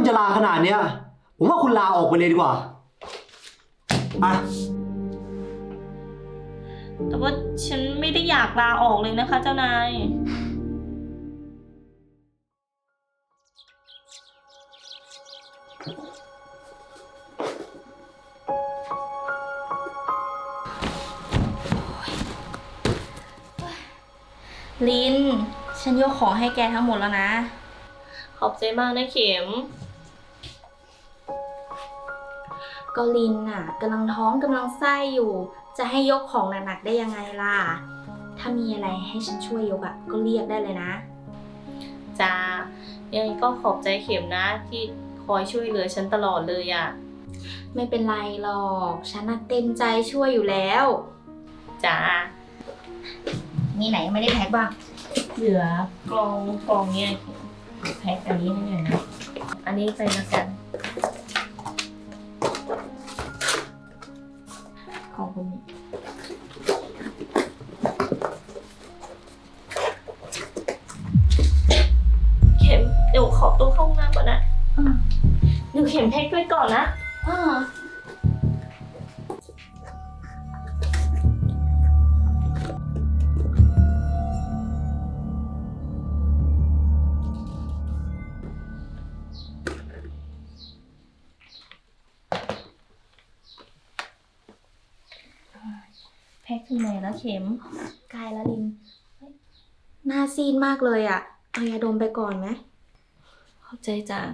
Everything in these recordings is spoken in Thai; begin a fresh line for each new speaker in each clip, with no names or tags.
จะลาขนาดเนี้ยผมว่าคุณลาออกไปเลยดีกว่าอ่ะ
แต่ว่าฉันไม่ได้อยากลาออกเลยนะคะเจ้านายลิน ฉันยกของให้แกทั้งหมดแล้วนะ ขอบใจมากนะเข็ม ก็ลินน่ะกำลังท้องกำลังไส้อยู่ จะให้ยกของหนักๆได้ยังไงล่ะ ถ้ามีอะไรให้ฉันช่วยยกก็เรียกได้เลยนะจ้ายังไงก็ขอบใจเข็มนะที่คอยช่วยเหลือฉันตลอดเลยไม่เป็นไรหรอกฉันเต็มใจช่วยอยู่แล้วจ้ามีไหนยังไม่ได้แพ็คบ้างเหลือกล่องเนี่ยแพ็คอันนี้ให้หน่อยนะอันนี้ไปละกันขอบคุณเข็มเดี๋ยวขอตัวเข้าห้องน้ำก่อนนะเดี๋ยวเข็มแพ็คไว้ก่อนนะแพ็คถึงไหนแล้วเข็มใกล้แล้วลินหน้าซีดมากเลยเอายาดมไปก่อนไหมขอบใจจ้ะ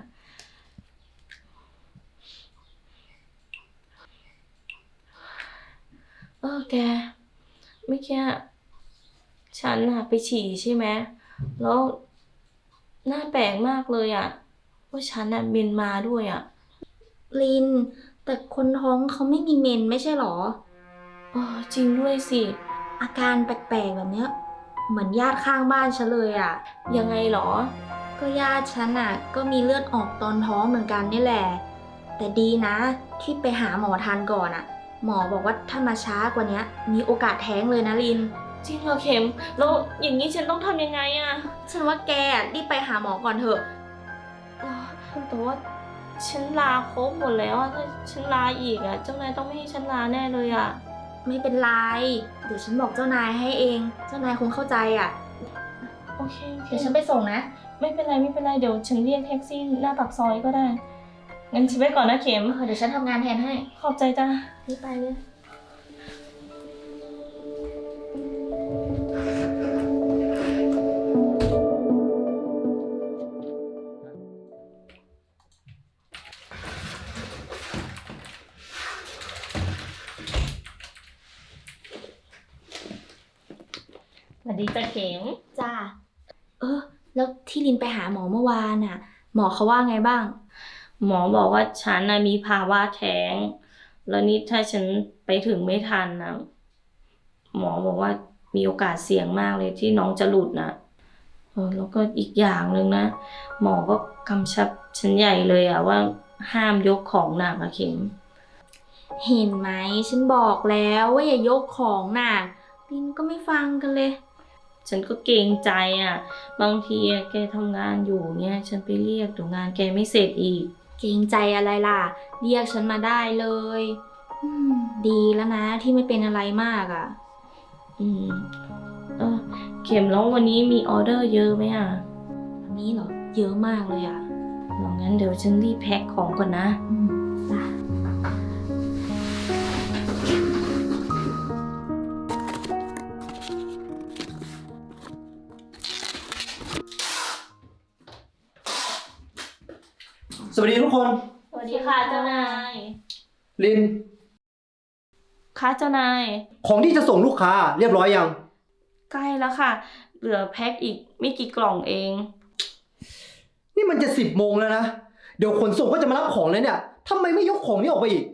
แกเมื่อกี้ฉันไปฉี่ใช่ไหมแล้วหน้าแปลกมากเลยว่าฉันเมนมาด้วยลินแต่คนท้องเขาไม่มีเมนไม่ใช่หรอจริงด้วยสิอาการแปลกๆแบบเนี้ยเหมือนญาติข้างบ้านฉันเลยยังไงหรอก็ญาติฉันก็มีเลือดออกตอนท้องเหมือนกันนี่แหละแต่ดีนะที่ไปหาหมอทันก่อนหมอบอกว่าถ้ามาช้ากว่านี้มีโอกาสแท้งเลยนะลินจริงเหรอเข็มแล้วอย่างนี้ฉันต้องทำยังไงฉันว่าแกรีบไปหาหมอก่อนเถอะแต่ว่าฉันลาครบหมดแล้วถ้าฉันลาอีกเจ้านายต้องไม่ให้ฉันลาแน่เลยไม่เป็นไรเดี๋ยวฉันบอกเจ้านายให้เองเจ้านายคงเข้าใจโอเคเดี๋ยวฉันไปส่งนะไม่เป็นไรเดี๋ยวฉันเรียกแท็กซี่หน้าปากซอยก็ได้งั้นฉันไปก่อนนะเข็มเดี๋ยวฉันทำงานแทนให้ขอบใจจ้ารีบไปเลยสวัสดีจ้าเข็มจ้าแล้วที่ลินไปหาหมอเมื่อวานหมอเขาว่าไงบ้างหมอบอกว่าฉันมีภาวะแท้งแล้วนี่ถ้าฉันไปถึงไม่ทันหมอบอกว่ามีโอกาสเสี่ยงมากเลยที่น้องจะหลุดแล้วก็อีกอย่างหนึ่งนะหมอก็กำชับฉันใหญ่เลยว่าห้ามยกของหนักเข็มเห็นไหมฉันบอกแล้วว่าอย่ายกของหนักลินก็ไม่ฟังกันเลยฉันก็เกรงใจบางทีแกทำงานอยู่เนี่ยฉันไปเรียกเดี๋ยวงานแกไม่เสร็จอีกเกรงใจอะไรล่ะเรียกฉันมาได้เลยดีแล้วนะที่ไม่เป็นอะไรมากเข็มแล้ววันนี้มีออเดอร์เยอะไหมวันนี้เหรอเยอะมากเลยงั้นเดี๋ยวฉันรีบแพ็คของก่อนนะ
สวัสดีทุกคน
สวัสดีค่ะเจ้านาย
ลิน
ค่ะเจ้านาย
ของที่จะส่งลูกค้าเรียบร้อยยัง
ใกล้แล้วค่ะ เหลือแพ็คอีกไม่กี่กล่องเอง
นี่มันจะ10 โมงแล้วนะ เดี๋ยวขนส่งก็จะมารับของเลยเนี่ยทำไมไม่ยกของนี้ออกไปอีก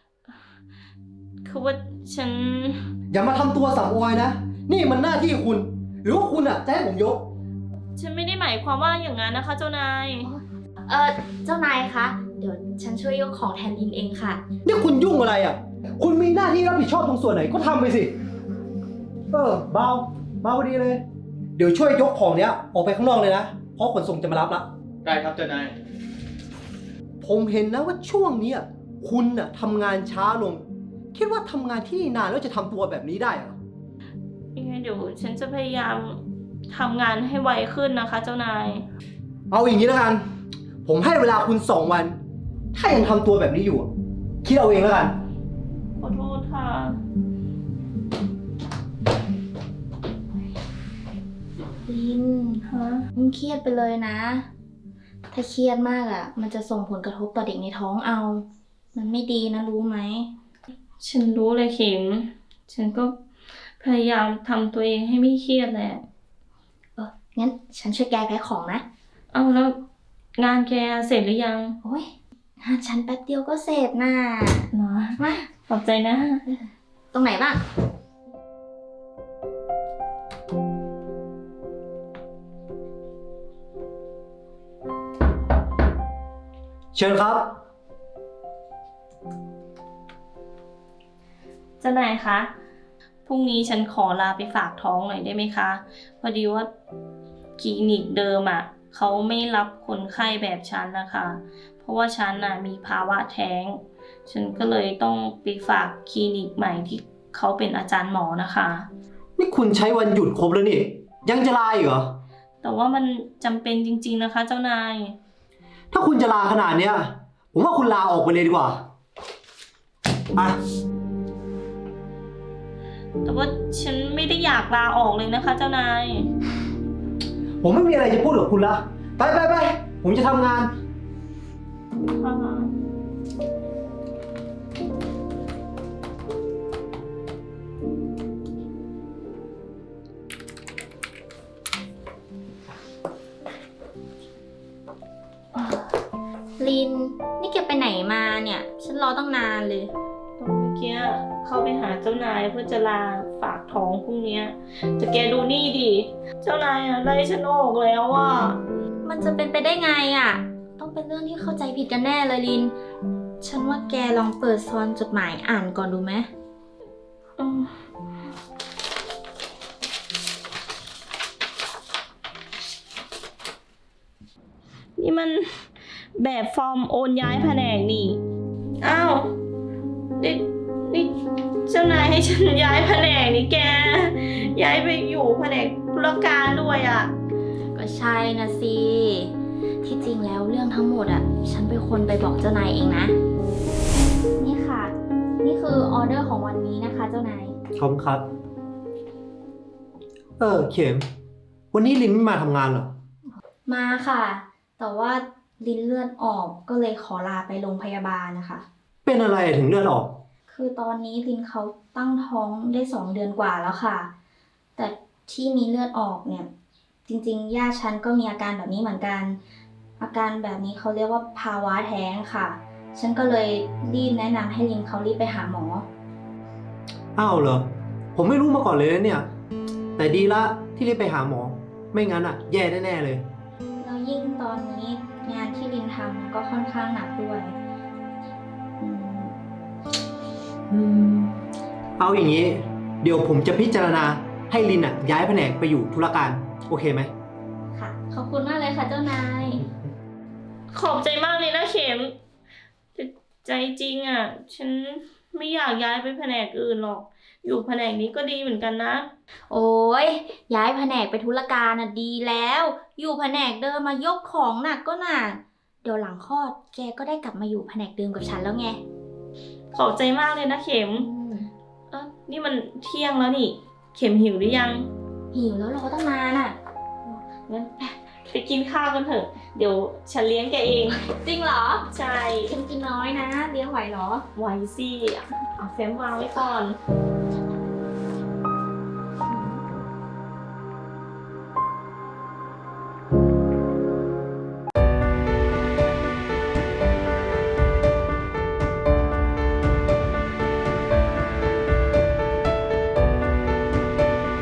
คือว่าฉัน
อย่ามาทำตัวสำออยนะ นี่มันหน้าที่คุณ หรือว่าคุณจะให้ผมยก
ฉันไม่ได้หมายความว่าอย่างนั้นนะคะเจ้านาย เจ้านายคะ เดี๋ยวฉันช่วยยกของแทนลินเองค่ะ
นี่คุณยุ่งอะไรคุณมีหน้าที่รับผิดชอบตรงส่วนไหนก็ทำไปสิ เบาพอดีเลย เดี๋ยวช่วยยกของเนี้ยออกไปข้างนอกเลยนะ เพราะขนส่งจะมารับละ
ได้ครับเจ้านาย
ผมเห็นนะว่าช่วงเนี้ยคุณน่ะทำงานช้าลง คิดว่าทำงานที่นี่นานแล้วจะทำตัวแบบนี้ได้เหรอ
ยังไงเดี๋ยวฉันจะพยายามทำงานให้ไวขึ้นนะคะเจ้านาย
เอาอย่างนี้แล้วกัน ผมให้เวลาคุณ2 วัน ถ้ายังทำตัวแบบนี้อยู่อะคิดเอาเองแล้วกัน
ขอโทษค่ะ
ลิน
ฮะ
มึงเครียดไปเลยนะ ถ้าเครียดมากอ่ะ มันจะส่งผลกระทบต่อเด็กในท้องเอา มันไม่ดีนะรู้ไหม
ฉันรู้เลยเข็ม ฉันก็พยายามทำตัวเองให้ไม่เครียดแหละ
งั้นฉันช่วยแกแพ็คของนะ
เอาแล้วงานแกเสร็จหรือยัง
โอ้ยงานฉันแป๊บเดียวก็เสร็จน่ะ
เนาะ
มา
ขอบใจนะ
ตรงไหนบ้าง
เชิญครับ
เจ้านายคะ พรุ่งนี้ฉันขอลาไปฝากท้องหน่อยได้ไหมคะ พอดีว่าคลินิกเดิมอ่ะเขาไม่รับคนไข้แบบฉันนะคะ เพราะว่าฉันน่ะมีภาวะแท้ง ฉันก็เลยต้องไปฝากคลินิกใหม่ที่เขาเป็นอาจารย์หมอนะคะ
นี่คุณใช้วันหยุดครบแล้วนี่ ยังจะลาอีกเหรอ
แต่ว่ามันจำเป็นจริงๆนะคะ เจ้านาย
ถ้าคุณจะลาขนาดเนี้ย ผมว่าคุณลาออกไปเลยดีกว่าอ่ะ
แต่ว่าฉันไม่ได้อยากลาออกเลยนะคะ เจ้านาย
ผมไม่มีอะไรจะพูดกับคุณละ ไปไปไป ผมจะทำงาน
ลิน นี่แกไปไหนมาเนี่ย ฉันรอตั้งนานเลย
ตอนเมื่อกี้เข้าไปหาเจ้านายเพื่อจะลาฝากท้องพรุ่งนี้แต่แกดูนี่ดิ เจ้านายอะไล่ฉันออกแล้วอ่ะ
มันจะเป็นไปได้ไงอ่ะ ต้องเป็นเรื่องที่เข้าใจผิดกันแน่เลยลิน ฉันว่าแกลองเปิดซองจดหมายอ่านก่อนดูไหม
นี่มันแบบฟอร์มโอนย้ายแผนกนี่ อ้าวนี่เจ้านายให้ฉันย้ายแผนกนี่แก ย้ายไปอยู่แผนกธุรการด้วยอ่ะ
ก็ใช่นะสิ ที่จริงแล้วเรื่องทั้งหมดอ่ะ ฉันเป็นคนไปบอกเจ้านายเองนะ นี่ค่ะ นี่คือออเดอร์ของวันนี้นะคะเจ้านาย
ขอบคุณครับ เข็ม วันนี้ลินไม่มาทำงานเหรอ
มาค่ะ แต่ว่าลิ้นเลือดออกก็เลยขอลาไปโรงพยาบาลนะคะ
เป็นอะไรถึงเลือดออก
คือตอนนี้ลิ้นเขาตั้งท้องได้2 เดือนกว่าแล้วค่ะ แต่ที่มีเลือดออกเนี่ย จริงๆญาติฉันก็มีอาการแบบนี้เหมือนกัน อาการแบบนี้เขาเรียกว่าภาวะแท้งค่ะ ฉันก็เลยรีบแนะนำให้ลิ้นเขารีบไปหาหมอ
อ้าวเหรอ ผมไม่รู้มาก่อนเลยนะเนี่ย แต่ดีละที่รีบไปหาหมอ ไม่งั้นอ่ะ แย่แน่ๆเลย
แล้วยิ่งตอนนี้งานที่ลินทำก็ค่อนข้างหนักด้วย
เอาอย่างนี้ เดี๋ยวผมจะพิจารณาให้ลินอ่ะ ย้ายแผนกไปอยู่ธุรการ โอเคไหม
ค่ะ ขอบคุณมากเลยค่ะเจ้านาย
ขอบใจมากเลยนะเข็มแต่ใจจริงอ่ะ ฉันไม่อยากย้ายไปแผนกอื่นหรอก อยู่แผนกนี้ก็ดีเหมือนกันนะ
โอ้ยย้ายแผนกไปธุรการน่ะดีแล้ว อยู่แผนกเดิมมายกของหนักก็หนัก เดี๋ยวหลังคลอดแกก็ได้กลับมาอยู่แผนกเดิมกับฉันแล้วไง
ขอบใจมากเลยนะเข็ม นี่มันเที่ยงแล้วนี่ เข็มหิวหรือยัง
หิวแล้วรอตั้งนานอ่ะ
งั้นไปกินข้าวกันเถอะ เดี๋ยวฉันเลี้ยงแกเอง
จริงเหรอ
ใช่
ฉันกินน้อยนะเลี้ยงไหวเหรอ
ไว้สิเอาแฟ้มวางไว้ก่อน